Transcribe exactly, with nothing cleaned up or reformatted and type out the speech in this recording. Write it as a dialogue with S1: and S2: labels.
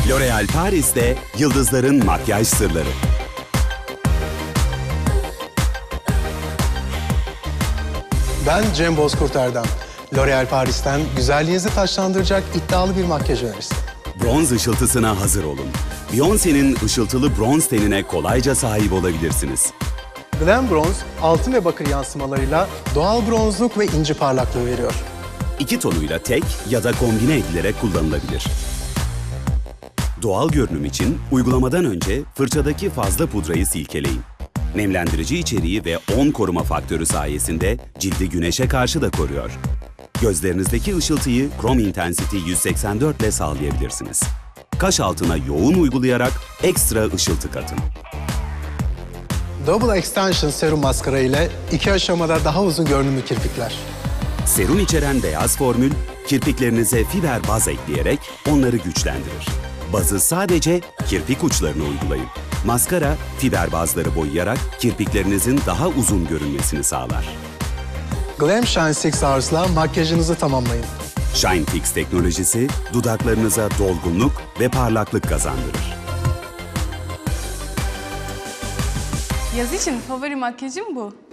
S1: L'Oréal Paris'te yıldızların makyaj sırları.
S2: Ben Cem Bozkurt Erdem. L'Oréal Paris'ten güzelliğinizi taçlandıracak iddialı bir makyaj önerisi.
S1: Bronz ışıltısına hazır olun. Beyoncé'nin ışıltılı bronz tenine kolayca sahip olabilirsiniz.
S2: Glam Bronze, altın ve bakır yansımalarıyla doğal bronzluk ve inci parlaklığı veriyor.
S1: İki tonuyla tek ya da kombine edilerek kullanılabilir. Doğal görünüm için uygulamadan önce fırçadaki fazla pudrayı silkeleyin. Nemlendirici içeriği ve on koruma faktörü sayesinde cildi güneşe karşı da koruyor. Gözlerinizdeki ışıltıyı Chrome Intensity yüz seksen dört ile sağlayabilirsiniz. Kaş altına yoğun uygulayarak ekstra ışıltı katın.
S2: Double Extension serum maskara ile iki aşamada daha uzun görünümlü kirpikler.
S1: Serum içeren beyaz formül, kirpiklerinize fiber baz ekleyerek onları güçlendirir. Bazı sadece kirpik uçlarına uygulayın. Maskara, fiber bazları boyayarak kirpiklerinizin daha uzun görünmesini sağlar.
S2: Glam Shine altı Hours'la makyajınızı tamamlayın.
S1: Shine Fix teknolojisi, dudaklarınıza dolgunluk ve parlaklık kazandırır.
S3: Yaz için favori makyajım bu.